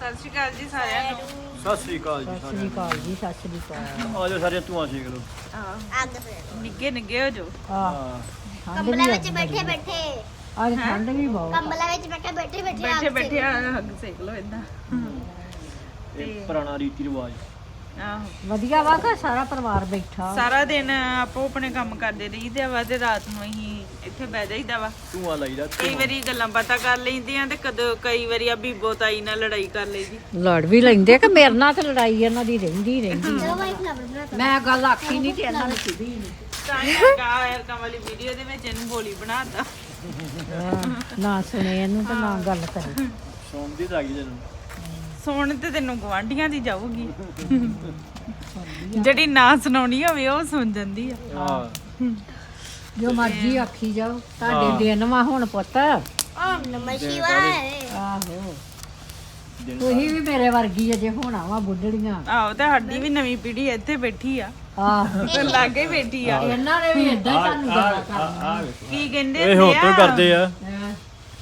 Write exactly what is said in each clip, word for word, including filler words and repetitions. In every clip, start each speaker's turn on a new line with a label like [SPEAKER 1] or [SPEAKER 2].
[SPEAKER 1] ਸਤਿ ਸ਼੍ਰੀ ਅਕਾਲ ਜੀ ਸਾਰਿਆਂ ਨੂੰ।
[SPEAKER 2] ਸਤਿ ਸ੍ਰੀ ਅਕਾਲ ਜੀ
[SPEAKER 3] ਸਤਿ ਸ੍ਰੀ ਅਕਾਲ ਜੀ, ਸਤਿ ਸ੍ਰੀ ਅਕਾਲ।
[SPEAKER 2] ਆ ਜਾਓ ਸਾਰੇ ਧੂਆਂ ਛੇਕ ਲਓ।
[SPEAKER 1] ਅੱਗ ਨਿੱਗੇ ਨਿੱਗੇ ਹੋ ਜੋ।
[SPEAKER 3] ਆਹ
[SPEAKER 2] ਹਾਂ
[SPEAKER 4] ਕੰਬਲਾਂ ਵਿੱਚ ਬੈਠੇ ਬੈਠੇ
[SPEAKER 3] ਅੱਜ ਠੰਡ ਵੀ ਬਹੁਤ
[SPEAKER 4] ਕੰਬਲਾਂ ਵਿੱਚ ਬੈਠੇ ਬੈਠੇ ਬੈਠੇ
[SPEAKER 1] ਬੈਠੇ ਬੈਠੇ ਅੱਗ ਸੇਕ ਲੋ ਇਦਾਂ।
[SPEAKER 2] ਇਹ ਪੁਰਾਣਾ ਰੀਤੀ ਰਿਵਾਜ।
[SPEAKER 1] ਆਹੋ
[SPEAKER 3] ਵਧੀਆ ਵਾ ਕਿ ਸਾਰਾ ਪਰਿਵਾਰ ਬੈਠਾ।
[SPEAKER 1] ਸਾਰਾ ਦਿਨ ਆਪੋ ਆਪਣੇ ਕੰਮ ਕਰਦੇ ਰਹੀਦੇ ਵਾ ਤੇ ਰਾਤ ਨੂੰ ਅਸੀਂ ਇੱਥੇ ਬਹਿ ਜਾਈਦਾ ਵਾ।
[SPEAKER 2] ਧੂਆਂ ਲਾਈਦਾ।
[SPEAKER 1] ਕਈ ਵਾਰੀ ਗੱਲਾਂ ਬਾਤਾਂ ਕਰ ਲੈਂਦੀਆਂ ਤੇ ਕਦੋਂ ਕਈ ਵਾਰੀ ਆ ਬੀਬੋ ਤਾਈ ਨਾਲ ਲੜਾਈ ਕਰ ਲਈਦੀ।
[SPEAKER 3] ਲੜ ਵੀ ਲੈਂਦੇ ਕਿ ਮੇਰੇ ਨਾਲ ਤੇ ਲੜਾਈ ਇਹਨਾਂ ਦੀ ਰਹਿੰਦੀ ਰਹਿੰਦੀ
[SPEAKER 4] ਚਲੋ ਭਾਈ ਫਲਾਵਰ ਬਣਾਤਾ
[SPEAKER 3] ਮੈਂ ਗੱਲ ਆਖੀ ਨਹੀਂ ਤੇ ਇਹਨਾਂ ਨੂੰ ਸਿੱਧੀ ਨਹੀਂ।
[SPEAKER 1] ਤਾਂ ਹੀ ਕਾ ਐਰਕਾਂ ਵਾਲੀ ਵੀਡੀਓ ਦੇ ਵਿੱਚ ਇਹਨੂੰ ਬੋਲੀ ਬਣਾਤਾ।
[SPEAKER 3] ਨਾ ਸੁਣੇ ਇਹਨੂੰ ਤੇ ਨਾ ਗੱਲ ਕਰੇ।
[SPEAKER 2] ਸੌਂਦੀ ਤਾਂ ਆ ਗਈ ਤੈਨੂੰ।
[SPEAKER 1] ਸੁਣ ਤੇ ਤੈਨੂੰ ਗਵਾਂਢੀਆਂ ਦੀ ਜਾਊਗੀ। ਜਿਹੜੀ ਨਾ ਸੁਣਾਉਣੀ ਹੋਵੇ ਉਹ ਸੁਣ ਜਾਂਦੀ ਆ।
[SPEAKER 2] ਹਾਂ
[SPEAKER 3] ਜੋ ਮਰਜ਼ੀ ਆਖੀ ਜਾਓ ਤੁਹਾਡੇ ਦਿਨ ਵਾ ਹੁਣ ਪੁੱਤ।
[SPEAKER 4] ਓਮ ਨਮः ਸ਼ਿਵਾਏ
[SPEAKER 3] ਆਹੋ ਤੁਸੀਂ ਵੀ ਮੇਰੇ ਵਰਗੀ ਅਜੇ ਹੋਣਾ ਵਾ ਬੁੱਢੜੀਆਂ।
[SPEAKER 1] ਆਹੋ ਤੇ ਸਾਡੀ ਵੀ ਨਵੀਂ ਪੀੜ੍ਹੀ ਇੱਥੇ ਬੈਠੀ ਆ
[SPEAKER 3] ਆਹੋ
[SPEAKER 1] ਤੇ ਲਾਗੇ ਬੈਠੀ ਆ।
[SPEAKER 3] ਇਹਨਾਂ ਨੇ ਵੀ ਏਦਾਂ ਹੀ ਤੁਹਾਨੂੰ ਗੱਲਾਂ ਕਰਨੀਆਂ।
[SPEAKER 1] ਕੀ ਕਹਿੰਦੇ
[SPEAKER 2] ਇਹ ਹੁਣ ਤੋਂ ਕਰਦੇ ਆ।
[SPEAKER 3] ਹੈਂ।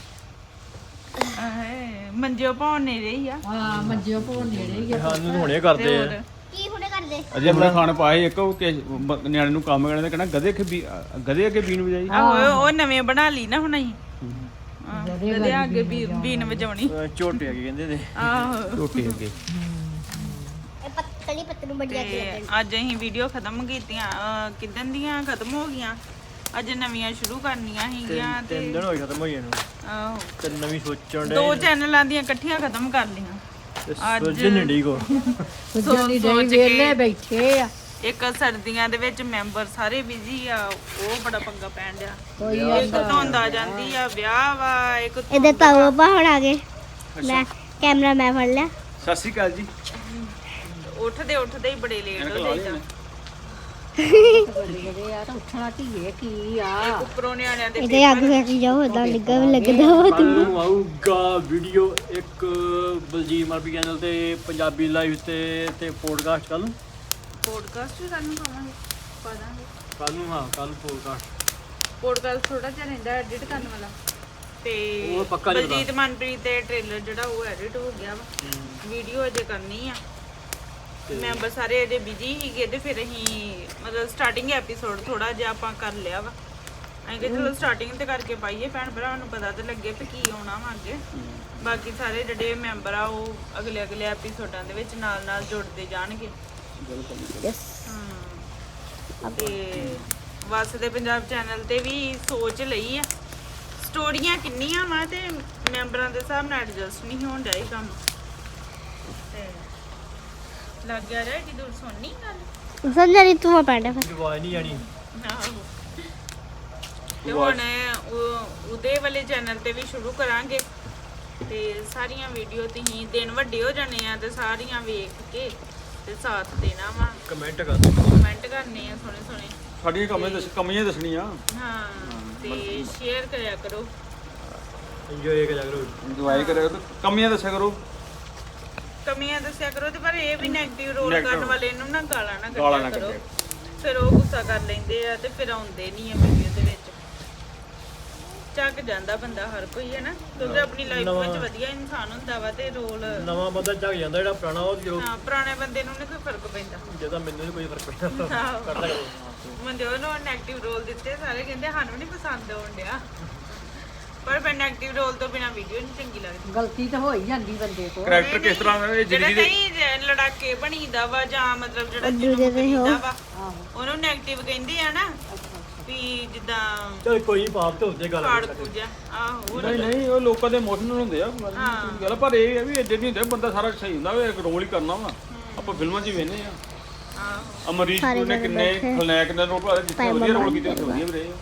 [SPEAKER 1] ਆਹੇ, ਮੰਜਿਓ ਪਾਉਣ ਨੇ ਰਹੀ ਆ
[SPEAKER 3] ਹਾਂ ਮੰਜਿਓ ਭੋਰ ਨੇੜੇ ਹੀ ਆ।
[SPEAKER 2] ਸਾਨੂੰ ਹੁਣੇ
[SPEAKER 1] ਤੇ
[SPEAKER 2] ਕਰਦੇ
[SPEAKER 1] ਹੋਰ
[SPEAKER 2] ਆ।
[SPEAKER 4] ਕੀ ਹੁਣੇ ਕਰਦੇ
[SPEAKER 5] ਅਜੇ ਹੁਣੇ ਖਾਣ ਪਾਏ ਇੱਕ ਉਹ ਕਿ ਬ- ਨਿਆਣੇ ਨੂੰ ਕੰਮ ਕਰਨੇ ਤੇ ਕਹਿਣਾ ਗਧੇ ਅੱਗੇ ਬੀ ਗਧੇ ਅੱਗੇ ਬੀਨ ਵਜਾਈ।
[SPEAKER 1] ਆਹੋ ਉਹ ਨਵੇਂ ਬਣਾ ਲਈ ਨਾ ਹੁਣ ਅਸੀਂ
[SPEAKER 3] ਗਧੇ
[SPEAKER 1] ਗਧੇ ਅੱਗੇ ਵੀ ਬੀਨ ਵਜਾਉਣੀ।
[SPEAKER 2] ਅਹ ਝੋਟੇ ਆ ਕੇ ਕਹਿੰਦੇ ਨੇ।
[SPEAKER 1] ਆਹੋ
[SPEAKER 5] ਟੋਟੇ ਅੱਗੇ
[SPEAKER 4] ਇਹ ਪੱਤਲੀ ਪੱਤਲੂ ਬੜੀਆ
[SPEAKER 1] ਤੇ ਅੱਜ ਅਸੀਂ ਵੀਡੀਓ ਖਤਮ ਕੀਤੀਆਂ ਅਹ, ਕਿੱਦਣ ਦੀਆਂ ਖਤਮ ਹੋ ਗਈਆਂ। ਅੱਜ ਨਵੀਆਂ ਸ਼ੁਰੂ ਕਰਨੀਆਂ ਸੀਗੀਆਂ
[SPEAKER 2] ਤਿੰਨ ਤਿੰਨ
[SPEAKER 1] ਤੇ
[SPEAKER 2] ਦਿਨ ਹੋਏ ਖਤਮ ਹੋਈ ਇਹਨੂੰ।
[SPEAKER 1] ਆਹੋ
[SPEAKER 2] ਤੇ ਨਵੀਂ ਸੋਚਣ ਦੇ
[SPEAKER 1] ਦੋ ਚੈਨਲਾਂ ਦੀਆਂ ਇਕੱਠੀਆਂ ਖਤਮ ਕਰ ਲਈਆਂ। ਅੱਜ-
[SPEAKER 2] ਸੋਚਣ ਨਹੀਂ ਡਈ ਕੋ।
[SPEAKER 3] ਸੁਝਣ ਦੀ
[SPEAKER 1] ਸੋਚ
[SPEAKER 3] ਡਈ
[SPEAKER 1] ਕੇ-
[SPEAKER 3] ਵੇਲੇ ਬੈਠੇ ਆ।
[SPEAKER 1] ਇੱਕ ਸਰਦੀਆਂ ਦੇ ਵਿੱਚ ਮੈਂਬਰ ਸਾਰੇ ਬਿਜ਼ੀ ਆ, ਉਹ ਬੜਾ ਪੰਗਾ ਪੈਣ ਡਿਆ।
[SPEAKER 3] ਕੋਈ
[SPEAKER 1] ਇੱਕ ਧੁੰਦਾ ਜਾਂਦੀ ਆ, ਵਿਆਹ ਵਾ, ਇੱਕ
[SPEAKER 4] ਇਹਦੇ ਤਾऊ ਬਾਹਰ ਆ ਗਏ ਮੈਂ ਕੈਮਰਾ ਮੈਂ ਫੜ ਲਿਆ
[SPEAKER 5] ਸਤਿ ਸ਼੍ਰੀ ਅਕਾਲ ਜੀ।
[SPEAKER 1] ਉੱਠਦੇ ਉੱਠਦੇ ਹੀ ਬੜੇ ਲੇਟ ਹੋ ਜਾਈਦਾ।
[SPEAKER 3] ਜਿਹੜੇ ਆ ਤਾਂ ਉੱਠਣਾ ਧੀਏ ਕੀ ਆ।
[SPEAKER 1] ਉੱਪਰੋਂ ਨਿਆਣਿਆਂ ਦੇ
[SPEAKER 4] ਇਹਦੇ ਅੱਗ ਫੇਕੀ ਜਾਓ ਇਦਾਂ ਲੱਗਾ ਵੀ ਲੱਗਦਾ ਵਾ
[SPEAKER 2] ਕੱਲ ਨੂੰ ਆਊਗਾ ਵੀਡੀਓ ਇੱਕ ਬਲਜੀਤ ਮਾਰਪੀ ਚੈਨਲ ਤੇ ਪੰਜਾਬੀ ਲਾਈਵ ਤੇ ਤੇ ਪੋਡਕਾਸਟ ਕੱਲ ਨੂੰ।
[SPEAKER 1] ਪੋਡਕਾਸਟ ਵੀ ਸਾਨੂੰ ਪਾਵਾਂਗੇ ਪਾ ਦਾਂਗੇ।
[SPEAKER 2] ਕੱਲ ਨੂੰ ਹਾਂ ਕੱਲ ਪੋਡਕਾਸਟ।
[SPEAKER 1] ਪੋਡਕਾਸਟ ਥੋੜਾ ਜਿਹਾ ਰਹਿੰਦਾ ਐਡਿਟ ਕਰਨ ਵਾਲਾ ਤੇ
[SPEAKER 2] ਉਹ ਪੱਕਾ ਨਹੀਂ ਪਤਾ।
[SPEAKER 1] ਬਲਜੀਤ ਮਨਪ੍ਰੀਤ ਦੇ ਟ੍ਰੇਲਰ ਜਿਹੜਾ ਉਹ ਐਡਿਟ ਹੋ ਗਿਆ ਵਾ। ਵੀਡੀਓ ਅਜੇ ਕਰਨੀ ਆ। ਮੈਂਬਰ ਸਾਰੇ ਅਜੇ ਬਿਜੀ ਸੀਗੇ ਤੇ ਫਿਰ ਅਸੀਂ ਮਤਲਬ ਸਟਾਰਟਿੰਗ ਐਪੀਸੋਡ ਥੋੜਾ ਜਿਹਾ ਆਪਾਂ ਕਰ ਲਿਆ ਵਾ। ਅਸੀਂ ਕਿ ਚਲੋ ਸਟਾਰਟਿੰਗ ਤੇ ਕਰਕੇ ਪਾਈਏ, ਭੈਣ ਭਰਾਵਾਂ ਨੂੰ ਪਤਾ ਤੇ ਲੱਗੇ ਵੀ ਕੀ ਆਉਣਾ ਵਾ ਅੱਗੇ। ਬਾਕੀ ਸਾਰੇ ਜਿਹੜੇ ਮੈਂਬਰ ਆ ਉਹ ਅਗਲੇ ਅਗਲੇ ਐਪੀਸੋਡਾਂ ਦੇ ਵਿੱਚ ਨਾਲ ਨਾਲ ਜੁੜਦੇ ਜਾਣਗੇ। ਹਾਂ ਤੇ ਵਸਦੇ ਪੰਜਾਬ ਚੈਨਲ ਤੇ ਵੀ ਸੋਚ ਲਈ ਆ। ਸਟੋਰੀਆਂ ਕਿੰਨੀਆਂ ਵਾ ਤੇ ਮੈਂਬਰਾਂ ਦੇ ਹਿਸਾਬ ਨਾਲ ਐਡਜਸਟ ਨਹੀਂ ਹੋਣ ਡਿਆ ਇਹ ਕੰਮ। ਤੇ ਲੱਗ ਗਿਆ ਰੇ ਕਿ ਦੂਰ ਸੁਣਨੀ ਗੱਲ।
[SPEAKER 4] ਸਮਝਾ ਨਹੀਂ ਤੂੰ ਪੈਂਦਾ ਫਿਰ
[SPEAKER 2] ਆਵਾਜ਼ ਨਹੀਂ ਆਣੀ।
[SPEAKER 1] ਆਹੋ। ਤੇ ਹੁਣ ਉਹ ਉਹਦੇ ਵਾਲੇ ਚੈਨਲ ਤੇ ਵੀ ਸ਼ੁਰੂ ਕਰਾਂਗੇ ਤੇ ਸਾਰੀਆਂ ਵੀਡੀਓ ਤੁਸੀਂ ਦਿਨ ਵੱਡੇ ਹੋ ਜਾਣੇ ਆ ਤੇ ਸਾਰੀਆਂ ਵੇਖ ਕੇ ਤੇ ਸਾਥ ਦੇਣਾ ਵਾ,
[SPEAKER 2] ਕਮੈਂਟ ਕਰ ਦਿਓ।
[SPEAKER 1] ਕਮੈਂਟ ਕਰਨੇ ਆ ਸੋਹਣੇ ਸੋਹਣੇ।
[SPEAKER 5] ਸਾਡੀਆਂ ਕਮੀਆਂ ਦੱਸ ਕਮੀਆਂ ਦੱਸਣੀਆਂ।
[SPEAKER 1] ਹਾਂ ਤੇ ਸ਼ੇਅਰ ਕਰਿਆ ਕਰੋ।
[SPEAKER 2] ਇੰਜੋਏ ਕਰਿਆ ਕਰੋ।
[SPEAKER 5] ਦਵਾਈ ਕਰਿਆ ਕਰੋ, ਕਮੀਆਂ ਦੱਸਿਆ ਕਰੋ।
[SPEAKER 1] ਕਮੀਆਂ ਦੱਸਿਆ ਕਰੋ ਤੇ ਪਰ ਇਹ ਵੀ ਨੈਗੇਟਿਵ ਰੋਲ
[SPEAKER 5] Negative
[SPEAKER 1] ਕਰਨ ਵਾਲੇ ਨੂੰ ਨਾ ਗਾਲਾਂ ਨਾ
[SPEAKER 5] ਗਾਲਾਂ
[SPEAKER 1] ਕੱਢਿਆ
[SPEAKER 5] ਨਾ
[SPEAKER 1] ਕਰੋ।
[SPEAKER 5] ਕੱਢਿਆ।
[SPEAKER 1] ਫਿਰ ਉਹ ਗੁੱਸਾ ਕਰ ਲੈਂਦੇ ਆ ਤੇ ਫਿਰ ਆਉਂਦੇ ਨਹੀਂ ਆ ਵੀਡੀਓ ਦੇ ਵਿੱਚ। ਚੱਕ ਜਾਂਦਾ ਬੰਦਾ ਹਰ ਕੋਈ ਹੈ ਨਾ, ਕਿਉਂਕਿ ਆਪਣੀ ਲਾਈਫ ਵਿੱਚ ਵਧੀਆ ਇਨਸਾਨ ਹੁੰਦਾ ਵਾ ਤੇ ਰੋਲ
[SPEAKER 2] ਨਵਾਂ ਬੰਦਾ ਝੱਕ ਜਾਂਦਾ, ਜਿਹੜਾ ਪੁਰਾਣਾ ਉਹ ਜੋ
[SPEAKER 1] ਹਾਂ ਪੁਰਾਣੇ ਬੰਦੇ ਨੂੰ ਨਹੀਂ ਕੋਈ ਫਰਕ ਪੈਂਦਾ।
[SPEAKER 2] ਜਿਹਦਾ ਮੈਨੂੰ ਨੀ ਕੋਈ ਫਰਕ ਪੈਂਦਾ
[SPEAKER 1] ਆਹੋ।
[SPEAKER 2] ਕਰ ਲਿਆ ਕਰੋ।
[SPEAKER 1] ਬੰਦੇ ਉਹਨੂੰ ਨੈਗੇਟਿਵ ਰੋਲ ਦਿੱਤੇ ਸਾਰੇ ਕਹਿੰਦੇ ਸਾਨੂੰ ਨਹੀਂ ਪਸੰਦ ਆਉਣ ਡਿਆ, ਪਰ ਫਿਰ ਨੈਗੇਟਿਵ ਰੋਲ ਤੋਂ ਬਿਨਾ ਵੀਡੀਓ ਨਹੀਂ ਚੰਗੀ ਲੱਗਦੀ।
[SPEAKER 3] ਗਲਤੀ ਤਾਂ ਹੋ ਹੀ ਜਾਂਦੀ ਬੰਦੇ ਕੋਲ।
[SPEAKER 5] ਕਰੈਕਟਰ ਕਿਸ ਤਰ੍ਹਾਂ ਦਾ ਇਹ
[SPEAKER 1] ਜਿਹੜਾ
[SPEAKER 5] ਜ਼ਿੰਦਗੀ ਦੇ
[SPEAKER 1] ਨਹੀਂ ਲੜਾਕੇ ਬਣੀਦਾ ਵਾ ਜਾਂ ਮਤਲਬ ਜਿਹੜਾ
[SPEAKER 4] ਦੂਜੇ
[SPEAKER 1] ਜਿਹਨੂੰ
[SPEAKER 4] ਦੇ ਹੋ।
[SPEAKER 1] ਕਰੀਦਾ ਵਾ
[SPEAKER 3] ਆਹੋ
[SPEAKER 1] ਉਹਨੂੰ ਨੈਗੇਟਿਵ ਕਹਿੰਦੇ ਆ ਨਾ ਵੀ ਜਿੱਦਾਂ
[SPEAKER 2] ਚਲ ਕੋਈ ਨੀ, ਪਾਪ ਤੇ ਹੁੰਦੇ ਗੱਲ
[SPEAKER 1] ਫਾੜ ਪੂਜਾ। ਆਹੋ ਉਹ
[SPEAKER 5] ਨਹੀਂ ਨਹੀਂ ਉਹ ਲੋਕਾਂ ਦੇ ਇਮੋਸ਼ਨਲ ਹੁੰਦੇ ਆ
[SPEAKER 1] ਹਾਂ।
[SPEAKER 5] ਗੱਲ, ਪਰ ਇਹ ਹੈ ਵੀ ਏਡੇ ਨਹੀਂ ਹੁੰਦੇ। ਬੰਦਾ ਸਾਰਾ ਸਹੀ ਹੁੰਦਾ ਵਾ, ਇੱਕ ਰੋਲ ਹੀ ਕਰਨਾ ਵਾ। ਆਪਾਂ ਫਿਲਮਾਂ 'ਚ ਹੀ ਵੇਖਦੇ ਆ।
[SPEAKER 1] ਆਹੋ
[SPEAKER 5] ਅਮਰੀਸ਼ ਪੁਰੀ ਨੇ ਕਿੰਨੇ ਖਲਨਾਇਕ ਦੇ ਰੋਲ ਭਾਲੇ, ਜਿੱਥੇ ਵਧੀਆ ਰੋਲ ਕੀਤੇ ਉੱਥੇ ਵਧੀਆ ਵੀ ਰਹੇ।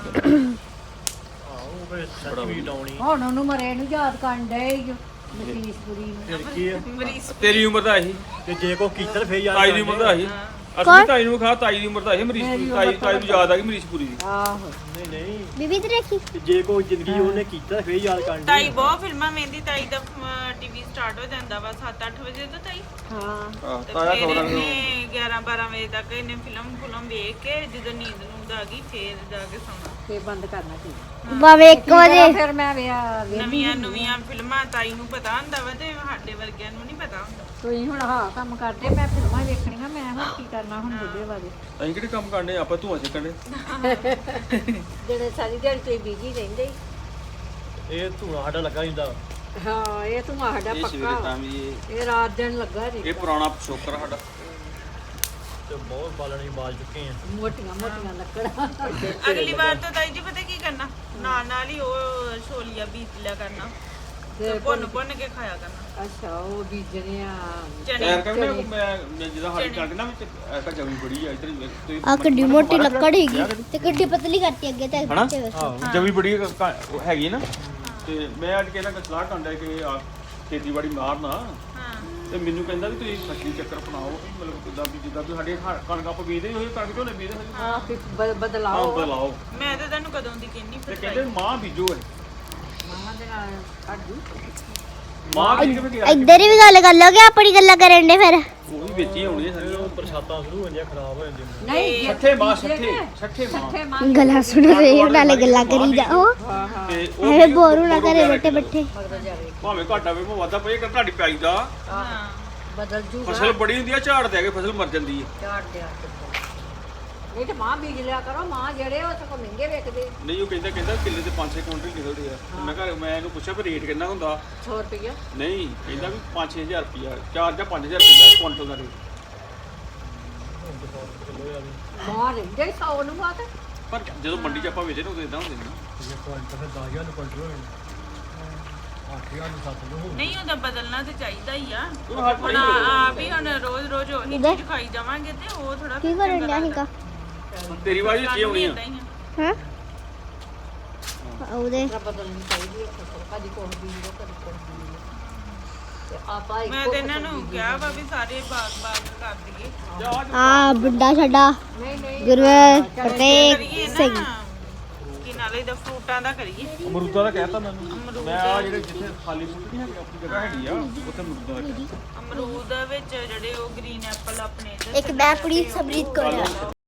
[SPEAKER 2] ਆਹੋ ਫਿਰ ਸੱਚ ਵੀ ਡਾਉਣੀ।
[SPEAKER 3] ਹੁਣ ਉਹਨੂੰ ਮਰੇ ਨੂੰ ਯਾਦ ਕਰਨ ਡਏ ਈ ਓ, ਮਸੀਸਪੁਰੀ ਨੂੰ।
[SPEAKER 2] ਫਿਰ ਕੀ ਆ?
[SPEAKER 1] ਮਰੀਜ਼
[SPEAKER 5] ਤੇਰੀ ਉਮਰ ਦਾ ਇਹੀ,
[SPEAKER 2] ਤੇ ਜੇ ਕੋ ਕੀਤਾ ਫੇਰ ਯਾਰ
[SPEAKER 5] ਤਾਈ ਦੀ ਉਮਰ ਦਾ ਇਹੀ। ਅਸੀਂ ਤਾਈ ਨੂੰ ਖਾ, ਤਾਈ ਦੀ ਉਮਰ ਦਾ ਇਹੀ। ਅਮਰੀਸ਼ ਪੁਰੀ ਤਾਈ ਤਾਈ ਨੂੰ ਯਾਦ ਆ ਗਈ ਅਮਰੀਸ਼ ਪੁਰੀ ਦੀ।
[SPEAKER 3] ਆਹੋ
[SPEAKER 2] ਨਹੀਂ ਨਹੀਂ,
[SPEAKER 4] ਬੀਬੀ ਤੇ ਰੱਖੀ
[SPEAKER 2] ਤੇ ਜੇ ਕੋ ਜ਼ਿੰਦਗੀ ਉਹਨੇ ਕੀਤਾ ਫੇਰ ਯਾਦ ਕਰਨ
[SPEAKER 1] ਤਾਈ ਬਹੁਤ ਫਿਲਮਾਂ ਵੇਂਦੀ। ਤਾਈ ਦਾ ਟੀਵੀ ਸਟਾਰਟ ਹੋ ਜਾਂਦਾ ਵਾ ਸੱਤ ਅੱਠ ਵਜੇ ਤੋਂ ਤਾਈ
[SPEAKER 3] ਹਾਂ
[SPEAKER 5] ਆਹ,
[SPEAKER 1] ਤੇ
[SPEAKER 5] ਤਾਇਆ
[SPEAKER 1] ਫਿਰ
[SPEAKER 5] ਖਬਰਾਂ ਨੂੰ
[SPEAKER 1] ਇਹਨੇ ਗਿਆਰਾਂ ਬਾਰਾਂ ਵਜੇ ਤੱਕ ਇਹਨੇ ਫਿਲਮ ਫੁਲਮ ਵੇਖ ਕੇ ਜਦੋਂ ਨੀਂਦ ਨੂੰਦ ਆ ਗਈ ਫੇਰ ਜਾ ਕੇ ਸੌਣਾ।
[SPEAKER 3] ਤੇ ਬੰਦ ਕਰਨਾ ਚਾਹੀਦਾ
[SPEAKER 4] ਬਾਵੇ ਇੱਕ ਵਜੇ
[SPEAKER 3] ਫਿਰ ਮੈਂ ਵਿਆਹ ਵੇਖਦੀ
[SPEAKER 1] ਨਵੀਆਂ ਨਵੀਆਂ ਫਿਲਮਾਂ ਤਾਈ ਨੂੰ ਪਤਾ ਹੁੰਦਾ ਵਾ ਤੇ ਸਾਡੇ ਵਰਗਿਆਂ ਨੂੰ ਨਹੀਂ ਪਤਾ ਹੁੰਦਾ।
[SPEAKER 3] ਤੁਸੀਂ ਹੁਣ ਹਾਂ ਕੰਮ ਕਰਦੇ ਮੈਂ ਫਿਲਮਾਂ ਵੇਖਣੀਆਂ ਮੈਂ ਹੁਣ ਕੀ ਕਰਨਾ ਹੁਣ ਬੁੱਢੇ ਬਾਰੇ
[SPEAKER 5] ਅਸੀਂ ਕਿਹੜੇ ਕੰਮ ਕਰਨੇ ਆਪਾਂ ਧੂਆਂ ਸਿੱਕਣੇ
[SPEAKER 3] ਜਿਹੜੇ ਸਾਰੀ ਦਿਹਾੜੀ ਤੁਸੀਂ ਬਿਜੀ ਰਹਿੰਦੇ ਈ।
[SPEAKER 2] ਇਹ ਧੂਣਾ ਸਾਡਾ ਲੱਗਾ ਹੁੰਦਾ।
[SPEAKER 3] ਹਾਂ ਇਹ ਤੂੰ ਸਾਡਾ
[SPEAKER 5] ਇਹ ਸਵੇਰੇ
[SPEAKER 3] ਪੱਕਾ
[SPEAKER 5] ਤਾਂ ਵੀ ਇਹ
[SPEAKER 3] ਇਹ ਰਾਤ ਦਿਨ ਲੱਗਾ ਜੀ
[SPEAKER 5] ਇਹ ਪੁਰਾਣਾ ਪਿਛੋਕਰ ਸਾਡਾ
[SPEAKER 2] ਤੇ ਬਹੁਤ ਬਾਲਣੀ ਬਾਲ ਚੁੱਕੇ ਆ।
[SPEAKER 3] ਮੋਟੀਆਂ ਮੋਟੀਆਂ ਲੱਕੜਾਂ
[SPEAKER 1] ਅਗਲੀ ਵਾਰ ਤਾਂ ਤਾਈ ਜੀ ਪਤਾ ਕੀ ਕਰਨਾ, ਨਾਲ ਨਾਲ ਹੀ ਉਹ ਛੋਲੀਆਂ ਬੀਜ ਲਿਆ ਕਰਨਾ ਤੇ ਭੁੰਨ ਭੁੰਨ ਕੇ ਖਾਇਆ ਕਰਨਾ।
[SPEAKER 3] ਅੱਛਾ ਉਹ ਬੀਜਣੇ ਆ
[SPEAKER 1] ਚਨੇ
[SPEAKER 5] ਯਾਰ ਕਹਿੰਦਾ ਮੈਂ ਮੈਂ ਜਿਹਦਾ ਸਾਡੀ ਕਣਕ ਨਾ ਵਿੱਚ ਐਸਾ ਜਮੀ ਬੜੀ ਆ ਇਧਰ ਤੁਸੀਂ
[SPEAKER 4] ਆ ਕਿੱਡੀ ਮੋਟੀ ਲੱਕੜ ਹੈਗੀ ਤੇ ਕਿੱਡੀ ਪਤਲੀ ਕਰਤੀ ਅੱਗੇ ਤੇ
[SPEAKER 5] ਹਨਾ
[SPEAKER 4] ਪਿੱਛੇ ਵੇਖ।
[SPEAKER 5] ਆਹੋ ਜਮੀ ਬੜੀ ਕ- ਕ- ਉਹ ਹੈਗੀ ਨਾ ਤੇ ਮੈਂ ਅੱਜ ਕਹਿੰਦਾ ਕਿ ਸਲਾਹ ਕਰਦਾ ਕਿ ਆ ਖੇਤੀਬਾੜੀ ਮਾਰਨਾ
[SPEAKER 1] ਹਾਂ
[SPEAKER 5] ਤੇ ਮੈਨੂੰ ਕਹਿੰਦਾ ਵੀ ਤੁਸੀਂ ਫਸਲੀ ਚੱਕਰ ਅਪਣਾਓ ਵੀ ਮਤਲਬ ਕਿਦਾਂ ਵੀ ਜਿੱਦਾਂ ਤੁਸੀਂ ਸਾਡੇ ਹ- ਕਣਕ ਆਪਾਂ ਬੀਜਦੇ ਹੋਏ ਕਣਕ ਝੋਨੇ ਬੀਜਦੇ ਹੋਏ
[SPEAKER 3] ਆ ਫਿਰ ਬ-
[SPEAKER 5] ਹਾਂ
[SPEAKER 3] ਬਦਲਾਓ
[SPEAKER 5] ਬਦਲਾਓ
[SPEAKER 1] ਮੈਂ ਤਾਂ ਤੈਨੂੰ ਕਦੋਂ ਦੀ ਕਹਿੰਨੀ
[SPEAKER 5] ਤੇ
[SPEAKER 1] ਫਿਰ
[SPEAKER 5] ਕਹਿੰਦੇ ਮਾਂ ਬੀਜੋ ਇਹ
[SPEAKER 3] ਮਾਮਾ ਦੇ ਨਾਲ ਕੱਢੂ
[SPEAKER 5] ਮਾਂ ਬੀਜ ਕਿਵੇਂ ਗਿਆ
[SPEAKER 4] ਇੱਧਰ ਵੀ ਗੱਲ ਕਰ ਲੋਗੇ ਆਪਣੀ ਗੱਲਾਂ ਕਰਨ ਦੇ ਫਿਰ
[SPEAKER 5] ਉਹ ਵੀ ਵਿੱਚ ਹੀ ਆਉਣੀ ਹੈ ਸਾਰੀਆਂ
[SPEAKER 2] ਬਰਸਾਤਾਂ ਸ਼ੁਰੂ ਹੋ ਜਾਂਦੀਆਂ ਖਰਾਬ ਹੋ ਜਾਂਦੀਆਂ।
[SPEAKER 3] ਨਹੀਂ
[SPEAKER 5] ਛੱਠੇ ਮਾਂ ਛੱਠੇ ਛੱਠੇ ਮਾਂ
[SPEAKER 3] ਛੱਠੇ ਮਾਂ
[SPEAKER 4] ਗੱਲਾਂ ਸੁਣ ਰਹੇ ਨਾਲੇ ਗੱਲਾਂ ਕਰੀ ਜਾਓ
[SPEAKER 3] ਹਾਂ ਹਾਂ
[SPEAKER 5] ਤੇ ਉਹ
[SPEAKER 4] ਐਵੇਂ ਬੋਰ ਹੋਣਾ ਘਰੇ ਬੈਠੇ ਬੈਠੇ
[SPEAKER 3] ਮਗਰ ਜਾਵੇ
[SPEAKER 5] ਭਾਵੇਂ ਘਾਟਾ ਵੇ ਭਾਵੇਂ ਵਾਧਾ ਪਏ ਕਰ ਤੁਹਾਡੀ ਪਿਆਈ ਦਾ
[SPEAKER 1] ਹਾਂ
[SPEAKER 3] ਬਦਲ ਜੂਗਾ
[SPEAKER 5] ਫਸਲ ਬੜੀ ਹੁੰਦੀ ਆ ਝਾੜ ਦੇ ਕੇ ਫਸਲ ਮਰ ਜਾਂਦੀ ਹੈ
[SPEAKER 3] ਝਾੜ ਦਿਆ ਨਹੀਂ ਤੇ ਮਾਂ ਬੀਜ ਲਿਆ ਕਰੋ ਮਾਂ ਜਿਹੜੇ ਉਹ ਸਗੋਂ ਮਹਿੰਗੇ ਵੇਚਦੇ
[SPEAKER 5] ਨਹੀਂ ਉਹ ਕਹਿੰਦਾ ਕਹਿੰਦਾ ਕਿੱਲੇ ਤੇ ਪੰਜ ਛੇ ਕੁਇੰਟਲ ਨਿਕਲਦੇ ਆ ਤੇ ਮੈਂ ਘਰ ਮੈਂ ਇਹਨੂੰ ਪੁੱਛਿਆ ਵੀ ਰੇਟ ਕਿੰਨਾ ਹੁੰਦਾ
[SPEAKER 3] ਸੌ ਰੁਪਈਆ
[SPEAKER 5] ਨਹੀਂ ਕਹਿੰਦਾ ਵੀ ਪੰਜ ਛੇ ਹਜ਼ਾਰ ਰੁਪਿਆ ਚਾਰ ਜਾਂ ਪੰਜ ਹਜ਼ਾਰ ਰੁਪਿਆ ਕੁਇੰਟਲ ਦਾ ਰੇਟ
[SPEAKER 3] ਮਾਂ ਰਹਿੰਦੇ ਸੌ ਨੂੰ ਬਾਤ
[SPEAKER 5] ਪਰ ਜਦੋਂ ਮੰਡੀ 'ਚ ਆਪਾਂ ਵੇਚਦੇ ਨੇ ਉਦੋਂ ਇਦਾਂ ਹੁੰਦੇ ਨੇ ਨਾ
[SPEAKER 2] ਜੇ ਕੁਆਂਟਲ ਫਿਰ ਦਸ ਹਜ਼ਾਰ ਨੂੰ ਕੁਆਂਟਲ ਹੋ ਜਾਣਾ। ਅੱਠ ਹਜ਼ਾਰ ਨੂੰ ਸੱਤ ਨੂੰ ਹੋ
[SPEAKER 1] ਨਹੀਂ ਉਹਦਾ ਬਦਲਣਾ ਤੇ ਚਾਹੀਦਾ ਹੀ ਆ।
[SPEAKER 5] ਉਹ ਹੱਥ
[SPEAKER 1] ਹੁਣ ਆਪ ਹੀ ਹੁਣ ਰੋਜ਼ ਰੋਜ਼ ਉਹੀ ਚੀਜ਼ ਖਾਈ ਜਾਵਾਂਗੇ ਤੇ ਉਹ ਥੋੜਾ
[SPEAKER 4] ਕੀ ਕਰਨ ਡਿਆ ਸੀਗਾ
[SPEAKER 5] ਤੇਰੀ ਵਾਰੀ ਕੀ ਹੋਣੀ ਆ
[SPEAKER 4] ਹਾਂ ਉਹਦੇ
[SPEAKER 3] ਬਦਲਣੀ ਚਾਹੀਦੀ ਹੈ ਫਸਲ ਕਦੀ ਕੋਹ ਬੀਜ ਲੋ ਕਦੀ ਕੋਹ ਬੀਜ ਲੋ ਤੇ ਆਪਾਂ
[SPEAKER 1] ਮੈਂ
[SPEAKER 3] ਇੱਕੋ
[SPEAKER 1] ਤੇ ਇਹਨਾਂ ਨੂੰ ਕਿਹਾ ਵਾ ਵੀ ਸਾਰੇ ਬਾਗ ਬਾਗ ਕਰ ਦਈਏ
[SPEAKER 4] ਆ ਬੁੱਢਾ ਸਾਡਾ
[SPEAKER 3] ਨਹੀਂ ਨਹੀਂ
[SPEAKER 4] ਗੁਰਵੇ
[SPEAKER 1] ਕਰੀਏ
[SPEAKER 4] ਫਤਿਹ ਸਿੰਘ
[SPEAKER 1] ਨਾ ਕਿ ਨਾਲੇ ਦਾ ਫਰੂਟਾਂ ਦਾ ਕਰੀਏ।
[SPEAKER 5] ਅਮਰੂਦਾਂ ਦਾ ਕਹਿਤਾ ਮੈਨੂੰ ਮੈਂ ਆ ਜਿਹੜੇ ਜਿੱਥੇ ਖਾਲੀ ਬੂਟੀ ਨਹੀਂ ਹੈਗੀ ਆਪਣੀ ਜਗ੍ਹਾ ਹੈਗੀ ਆ ਉੱਥੇ ਅਮਰੂਦਾਂ ਦਾ ਕਹਿਤਾ
[SPEAKER 1] ਅਮਰੂਦ ਵਿੱਚ ਜਿਹੜੇ ਉਹ ਗ੍ਰੀਨ ਐਪਲ ਆਪਣੇ ਇੱਧਰ
[SPEAKER 4] ਇੱਕ ਮੈਂ ਕੁੜੀ ਸਮਰੀਤ ਕੋਲ